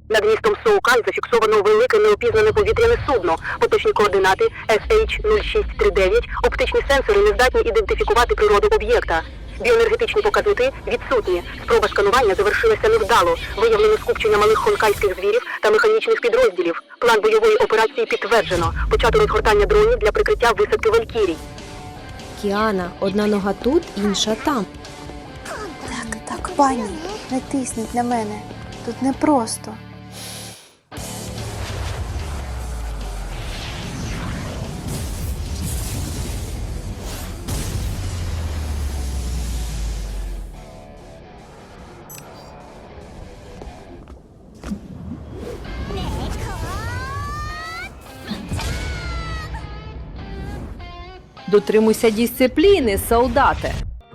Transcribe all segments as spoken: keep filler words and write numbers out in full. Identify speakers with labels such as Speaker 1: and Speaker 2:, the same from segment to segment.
Speaker 1: Над містом Соукан зафіксовано велике неопізнане повітряне судно. Поточні координати ес ейч нуль шість три дев'ять. Оптичні сенсори не здатні ідентифікувати природу об'єкта. Біоенергетичні показники відсутні. Спроба сканування завершилася невдало. Виявлено скупчення малих хонкайських звірів та механічних підрозділів. План бойової операції підтверджено. Почато розгортання дронів для прикриття висадки Валькірій.
Speaker 2: Кіана, одна нога тут, інша там.
Speaker 3: Так, так, пані, не тисніть на мене. Тут непросто.
Speaker 2: Дотримуйся дисципліни, солдате.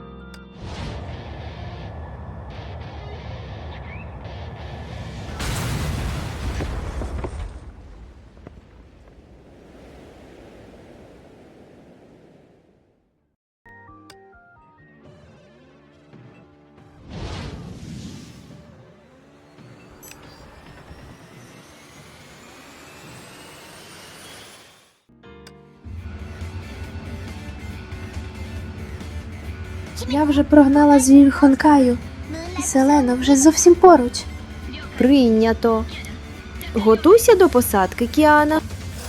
Speaker 3: Я вже прогнала звір Хонкаю. Зелено вже зовсім поруч.
Speaker 2: Прийнято. Готуйся до посадки, Кіана.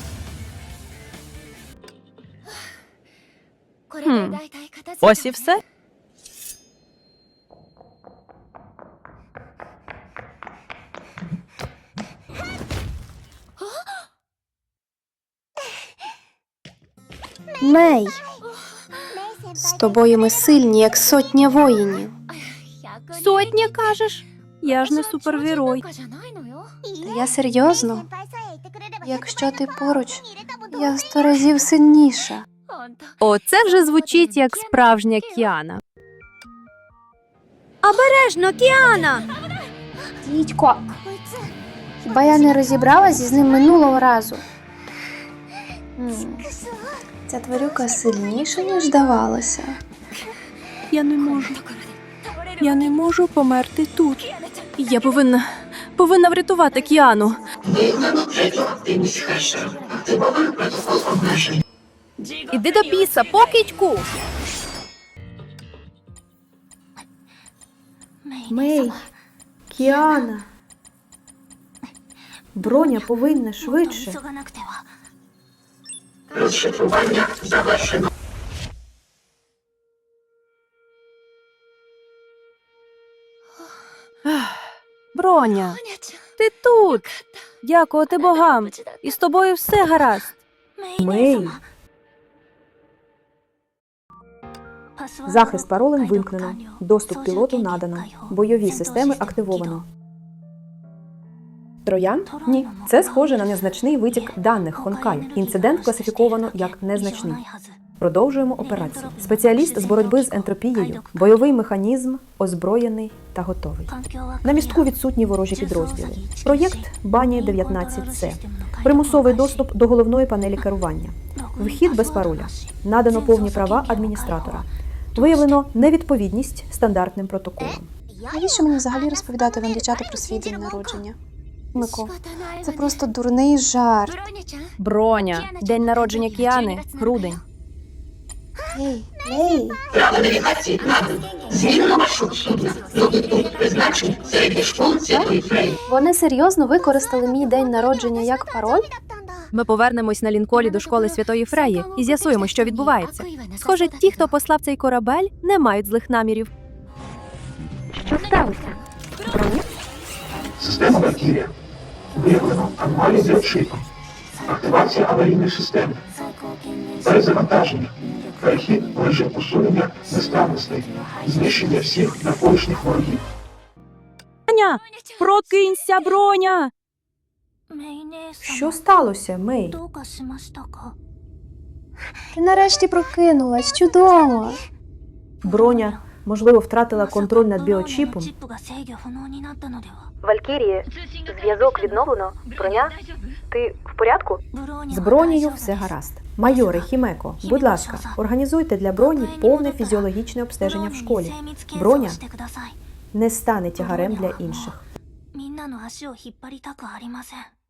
Speaker 4: Хм. Ось і все?
Speaker 3: Мей! З тобою ми сильні, як сотня воїнів.
Speaker 2: Сотня, кажеш? Я ж не супергерой.
Speaker 3: Та я серйозно. Якщо ти поруч, я сто разів сильніша.
Speaker 2: Оце вже звучить як справжня Кіана. Обережно, Кіана!
Speaker 3: Дідько, хіба я не розібралася з ним минулого разу? М, Ця тварюка сильніша, ніж здавалося.
Speaker 2: Я не можу. Я не можу померти тут. Я повинна, повинна врятувати Кіану. Іди до біса, покидьку!
Speaker 3: Мей, Кіана. Броня повинна швидше.
Speaker 2: Броня, ти тут! Дякувати богам! І з тобою все гаразд.
Speaker 5: Мей. Захист паролем вимкнено. Доступ пілоту надано. Бойові системи активовано. Троян? Ні. Це схоже на незначний витік даних Хонкаю. Інцидент класифіковано як незначний. Продовжуємо операцію. Спеціаліст з боротьби з ентропією. Бойовий механізм озброєний та готовий. На містку відсутні ворожі підрозділи. Проєкт Бані дев'ятнадцять С. Примусовий доступ до головної панелі керування. Вхід без пароля. Надано повні права адміністратора. Виявлено невідповідність стандартним протоколам.
Speaker 3: Навіщо мені взагалі розповідати вам, дівчата, про свій день народження? Мико, це просто дурний жарт.
Speaker 2: Броня, день народження Кіани, грудень.
Speaker 3: Ей, ей! Вони серйозно використали мій день народження як пароль?
Speaker 2: Ми повернемось на лінколі до школи Святої Фреї і з'ясуємо, що відбувається. Схоже, ті, хто послав цей корабель, не мають злих намірів.
Speaker 1: Що сталося? Броня?
Speaker 6: Система Валькірія. Виявлено аномалії біочипу. Активація аварійної системи. Перезавантаження. Перехід в режим усунення несправностей. Знищення всіх навколишніх ворогів.
Speaker 2: Броня! Прокинься, Броня!
Speaker 5: Що сталося, Мей?
Speaker 3: Ти нарешті прокинулась, чудово!
Speaker 5: Броня, можливо, втратила контроль над біочіпом.
Speaker 1: Валькірії, зв'язок відновлено. Броня, ти в порядку?
Speaker 5: З Бронею все гаразд. Майоре Хімеко, будь ласка, організуйте для Броні повне фізіологічне обстеження в школі. Броня не стане тягарем для інших.
Speaker 7: みんなの足を引っ張りたくありません。